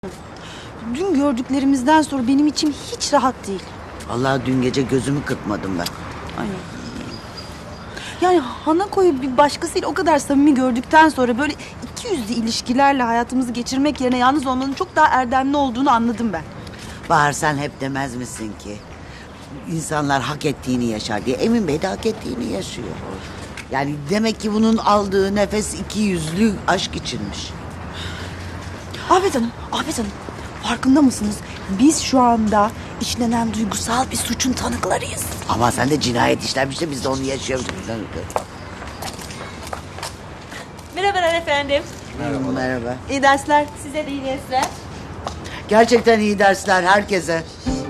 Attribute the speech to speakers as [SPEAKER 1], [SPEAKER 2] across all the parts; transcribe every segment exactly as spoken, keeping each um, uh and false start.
[SPEAKER 1] Dün gördüklerimizden sonra benim içim hiç rahat değil.
[SPEAKER 2] Vallahi dün gece gözümü kırpmadım ben.
[SPEAKER 1] Ay. Yani Hanako'yu bir başkasıyla o kadar samimi gördükten sonra böyle iki yüzlü ilişkilerle hayatımızı geçirmek yerine yalnız olmanın çok daha erdemli olduğunu anladım ben.
[SPEAKER 2] Bahar, sen hep demez misin ki insanlar hak ettiğini yaşar diye. Emin Bey de hak ettiğini yaşıyor. Yani demek ki bunun aldığı nefes iki yüzlü aşk içinmiş.
[SPEAKER 1] Afet Hanım, Afet Hanım farkında mısınız? Biz şu anda işlenen duygusal bir suçun tanıklarıyız.
[SPEAKER 2] Ama sen de cinayet işlenmiş de biz de onu yaşıyoruz.
[SPEAKER 3] Merhabalar efendim.
[SPEAKER 2] Merhaba. Merhaba.
[SPEAKER 1] İyi dersler.
[SPEAKER 3] Size de iyi dersler.
[SPEAKER 2] Gerçekten iyi dersler herkese.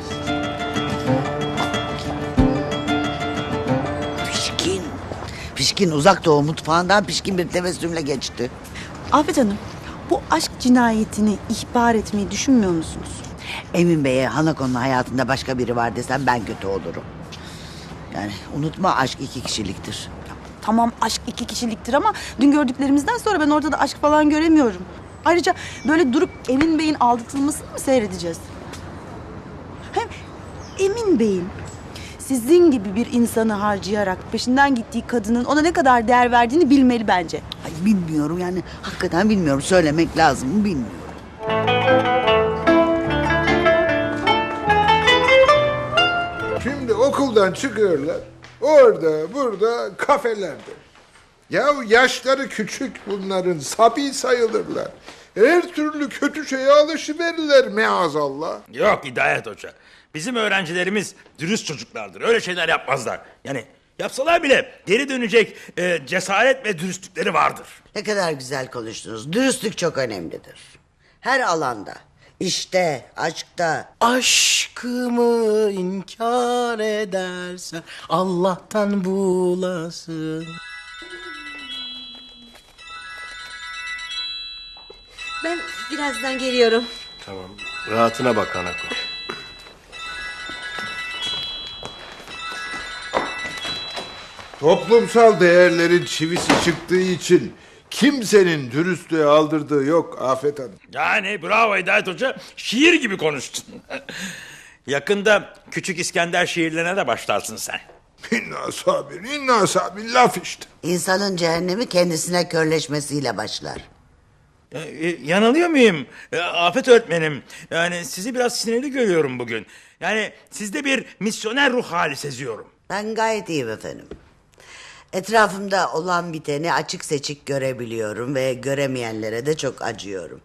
[SPEAKER 2] Pişkin. Pişkin uzak doğu mutfağından pişkin bir tebessümle geçti.
[SPEAKER 1] Afet Hanım, bu aşk cinayetini ihbar etmeyi düşünmüyor musunuz?
[SPEAKER 2] Emin Bey'e Hanako'nun hayatında başka biri var desem ben kötü olurum. Yani unutma, aşk iki kişiliktir.
[SPEAKER 1] Tamam, aşk iki kişiliktir ama dün gördüklerimizden sonra ben orada da aşk falan göremiyorum. Ayrıca böyle durup Emin Bey'in aldatılmasını mı seyredeceğiz? Hem Emin Bey'in sizin gibi bir insanı harcayarak peşinden gittiği kadının ona ne kadar değer verdiğini bilmeli bence.
[SPEAKER 2] Ay bilmiyorum yani, hakikaten bilmiyorum, söylemek lazım mı bilmiyorum.
[SPEAKER 4] Şimdi okuldan çıkıyorlar. Orada, burada, kafelerde. Ya yaşları küçük bunların, sabi sayılırlar. Her türlü kötü şeye alışıverirler maazallah.
[SPEAKER 5] Yok Hidayet Hoca. Bizim öğrencilerimiz dürüst çocuklardır. Öyle şeyler yapmazlar. Yani yapsalar bile geri dönecek e, cesaret ve dürüstlükleri vardır.
[SPEAKER 2] Ne kadar güzel konuştunuz. Dürüstlük çok önemlidir. Her alanda. İşte, aşkta.
[SPEAKER 6] Aşkımı inkar edersen Allah'tan bulasın.
[SPEAKER 3] Ben birazdan geliyorum.
[SPEAKER 6] Tamam. Rahatına bak Hanako.
[SPEAKER 4] Toplumsal değerlerin çivisi çıktığı için kimsenin dürüstlüğe aldırdığı yok Afet Hanım.
[SPEAKER 5] Yani bravo Hidayet Hoca. Şiir gibi konuştun. Yakında Küçük İskender şiirlerine de başlarsın sen.
[SPEAKER 4] İnna sabir, inna sabir laf işte.
[SPEAKER 2] İnsanın cehennemi kendisine körleşmesiyle başlar.
[SPEAKER 5] E, e, yanılıyor muyum? E, Afet öğretmenim. Yani sizi biraz sinirli görüyorum bugün. Yani sizde bir misyoner ruh hali seziyorum.
[SPEAKER 2] Ben gayet iyiyim efendim. Etrafımda olan biteni açık seçik görebiliyorum ve göremeyenlere de çok acıyorum.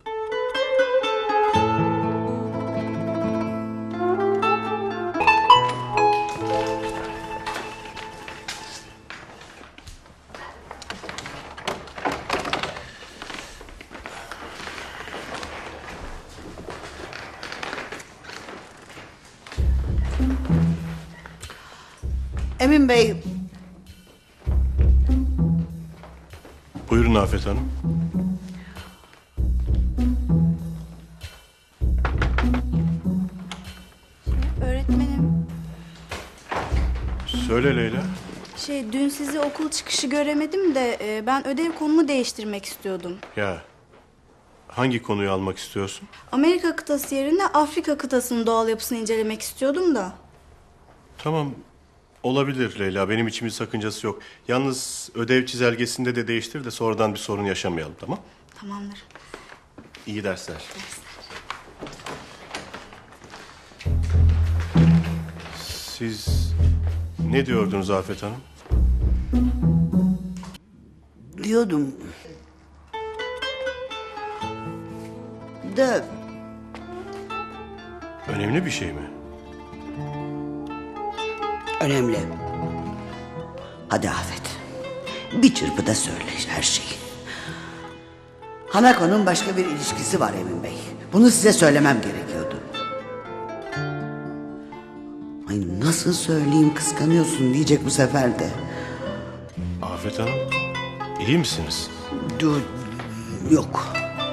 [SPEAKER 2] Emin Bey,
[SPEAKER 6] Buyurun Afet Hanım.
[SPEAKER 7] Öğretmenim,
[SPEAKER 6] Söyle Leyla.
[SPEAKER 7] şey dün sizi okul çıkışı göremedim de e, ben ödev konumu değiştirmek istiyordum.
[SPEAKER 6] Ya hangi konuyu almak istiyorsun?
[SPEAKER 7] Amerika kıtası yerine Afrika kıtasının doğal yapısını incelemek istiyordum da.
[SPEAKER 6] Tamam. Olabilir Leyla. Benim için bir sakıncası yok. Yalnız ödev çizelgesinde de değiştir de sonradan bir sorun yaşamayalım, tamam?
[SPEAKER 7] Tamamdır.
[SPEAKER 6] İyi dersler. Siz ne diyordunuz Afet Hanım?
[SPEAKER 2] diyordum. Da
[SPEAKER 6] Önemli bir şey mi?
[SPEAKER 2] önemli. Hadi Afet. Bir çırpıda söyle her şeyi. Hanako'nun başka bir ilişkisi var Emin Bey. Bunu size söylemem gerekiyordu. Ay nasıl söyleyeyim, kıskanıyorsun diyecek bu sefer de.
[SPEAKER 6] Afet Hanım, iyi misiniz?
[SPEAKER 2] Dur, yok.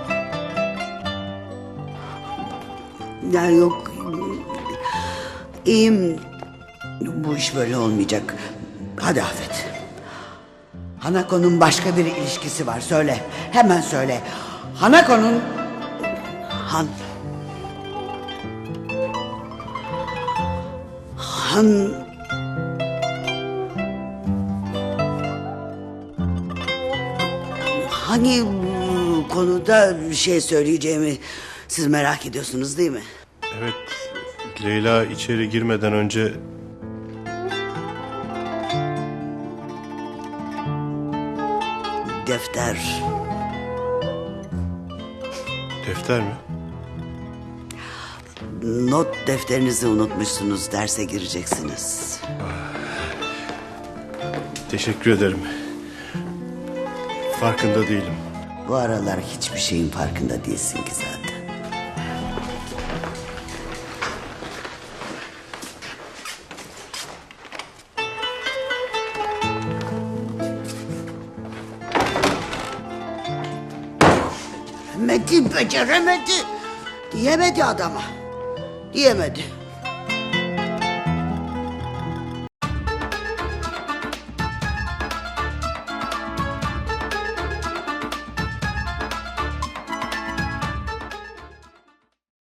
[SPEAKER 2] Ya yok. İyiyim. Bu iş böyle olmayacak. Hadi Afet. Hanako'nun başka bir ilişkisi var. Söyle. Hemen söyle. Hanako'nun... Han... Han... Hani bu konuda bir şey söyleyeceğimi siz merak ediyorsunuz değil mi?
[SPEAKER 6] Evet, Leyla içeri girmeden önce
[SPEAKER 2] Defter.
[SPEAKER 6] defter mi?
[SPEAKER 2] Not defterinizi unutmuşsunuz. Derse gireceksiniz.
[SPEAKER 6] Teşekkür ederim. Farkında değilim.
[SPEAKER 2] Bu aralar hiçbir şeyin farkında değilsin ki zaten. Metin beceremedi. Diyemedi adama. Diyemedi.